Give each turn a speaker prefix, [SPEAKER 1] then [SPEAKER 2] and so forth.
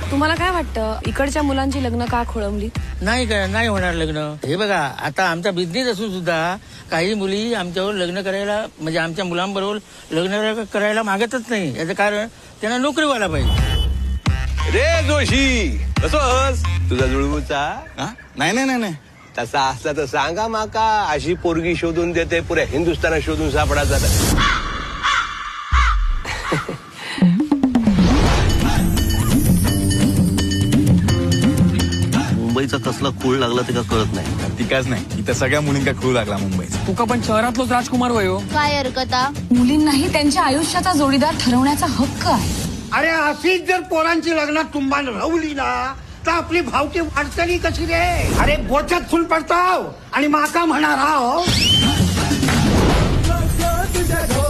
[SPEAKER 1] तुम्हाला काय वाटतं इकडच्या मुलांची लग्न का खोळंबली?
[SPEAKER 2] नाही होणार लग्न. हे बघा, आता आमचा बिझनेस असून सुद्धा काही मुली आमच्यावर लग्न करायला, म्हणजे आमच्या मुलांबरोबर लग्न करायला मागतच नाही. याचं कारण त्यांना नोकरी व्हायला पाहिजे.
[SPEAKER 3] रे जोशी, कसोस तुझा जुळवूचा?
[SPEAKER 4] नाही
[SPEAKER 3] तसा असला तर सांगा माका. अशी पोरगी शोधून देते, पुऱ्या हिंदुस्थानात शोधून सापडायचा.
[SPEAKER 5] मुंबईचा कसला खूळ लागला ते का कळत नाही.
[SPEAKER 4] तिकाच नाही, इथं सगळ्या मुलींका खूळ लागला मुंबईचा.
[SPEAKER 6] तुका पण शहरातलोच राजकुमार वयो.
[SPEAKER 7] काय हरकता?
[SPEAKER 1] मुलींनाही त्यांच्या आयुष्याचा जोडीदार ठरवण्याचा हक्क आहे.
[SPEAKER 8] अरे अशीच जर पोरांची लग्नात तुंबान रवली ना तर आपली भावकी वाटतली कशी रे? अरे बोचत फुल पडताव आणि माका म्हणा राव.